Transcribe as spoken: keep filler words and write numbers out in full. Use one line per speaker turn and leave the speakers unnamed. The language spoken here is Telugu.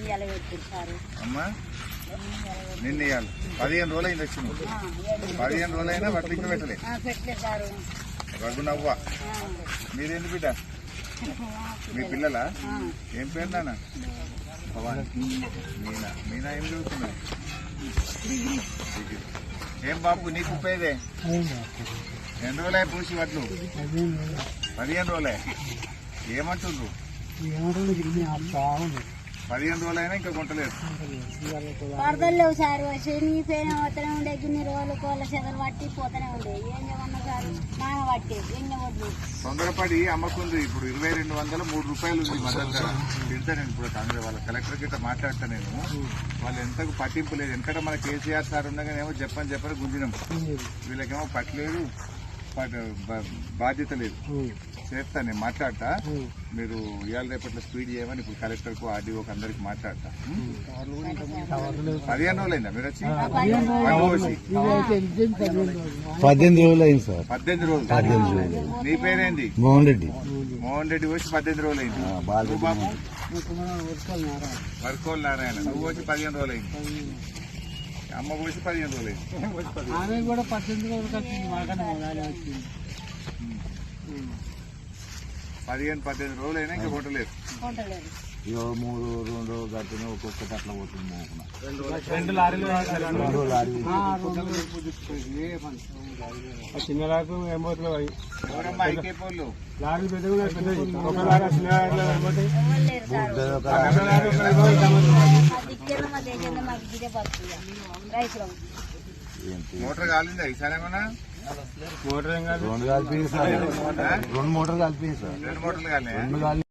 అమ్మా నిన్న ఇవ్వాలి పదిహేను రోజులు అయింది వచ్చింది పదిహేను రోజులు అయినా వడ్లు ఇంకా పెట్టలే రఘునవ్వ మీరేంటి బిడ్డ మీ పిల్లలా ఏం పేరు నాన్న మీనా మీనా ఏం చదువుతున్నా ఏం బాబు నీకు ఉపయోగే ఎన్ని రోజులే పూసి వడ్లు పదిహేను రోజులే ఏమంటుండ్రు పదిహేను రోజులైనా ఇంకా కొంటలేదు
వరదలు లేవు సార్ శనిపోయిన పోతూనే ఉండే గిన్ని రోజులు కోళ్ళ చెదలు పట్టి పోతూనే ఉండే ఏం చేయమన్నా సార్ నాన పట్టి ఏం చేయవద్దు
తొందరపడి అమ్మకుంది ఇప్పుడు ఇరవై రెండు వందల మూడు రూపాయలు ఉంది మద్దతు ధర తింటా నేను ఇప్పుడు కాంగ్రెస్ వాళ్ళ కలెక్టర్ గిట్ట మాట్లాడతా నేను వాళ్ళు ఎంతకు పట్టింపు లేదు ఎందుకంటే మన కేసీఆర్ సార్ ఉండగానేమో చెప్పని చెప్పని గుంజినాం వీళ్ళకేమో పట్టలేదు బాధ్యత లేదు చేస్తా నేను మాట్లాడతా మీరు ఇవాళ రేపట్లో స్పీడ్ చేయమని ఇప్పుడు కలెక్టర్ కు ఆర్డీఓకి అందరికి మాట్లాడతా పదిహేను రోజులైందా మీరు వచ్చి
పద్దెనిమిది రోజులు అయింది సార్
పద్దెనిమిది రోజులు పద్దెనిమిది రోజులు నీ పేరేంది
మోహన్ రెడ్డి
మోహన్ రెడ్డి వచ్చి పద్దెనిమిది రోజులు అయింది బాబు వర్కోల్ నారాయణ నువ్వు వచ్చి పదిహేను రోజులు అయింది అమ్మ పోసి పదిహేను రోజులు
అయింది కూడా పద్దెనిమిది రోజులు
పదిహేను పద్దెనిమిది రోజులు అయినా ఇంకా కొట్టలేదు
ఇక మూడు రెండు గట్టిన ఒక్కొక్కటి అట్లా పోతుంది
రెండు లారీలు చిన్న లారీ ఏం పోతున్నాయి లారీలు పెద్దగా పెద్దది ఒక లారీ చిన్న
మోటార్ కాలిందా ఈసారి ఏమన్నా
మోటార్ ఏం కాదు
రెండు కలిపి రెండు మోటార్లు కలిపి సార్
రెండు మోటార్లు కాలే